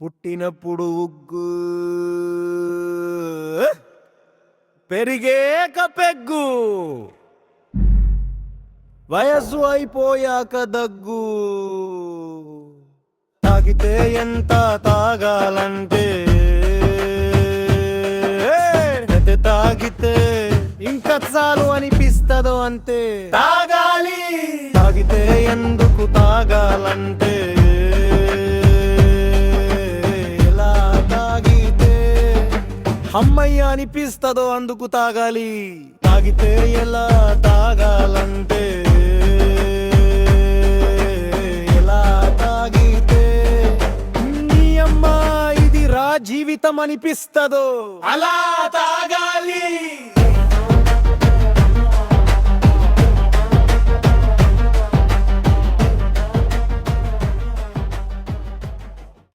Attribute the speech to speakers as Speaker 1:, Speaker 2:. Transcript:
Speaker 1: పుట్టినప్పుడు ఉగ్గు, పెరిగేక పెగ్గు, వయసు అయిపోయాక దగ్గు. తాగితే ఎంత తాగాలంటే, తాగితే ఇంకా చాలు అనిపిస్తదో అంతే. తాగాలి, తాగితే ఎందుకు తాగాలంటే, ఎలా తాగితే అమ్మయ్య అనిపిస్తదో అందుకు తాగాలి. తాగితే ఎలా తాగాలంటే, ఎలా తాగితే నీ అమ్మ ఇది రా జీవితం అనిపిస్తదో అలా తాగాలి.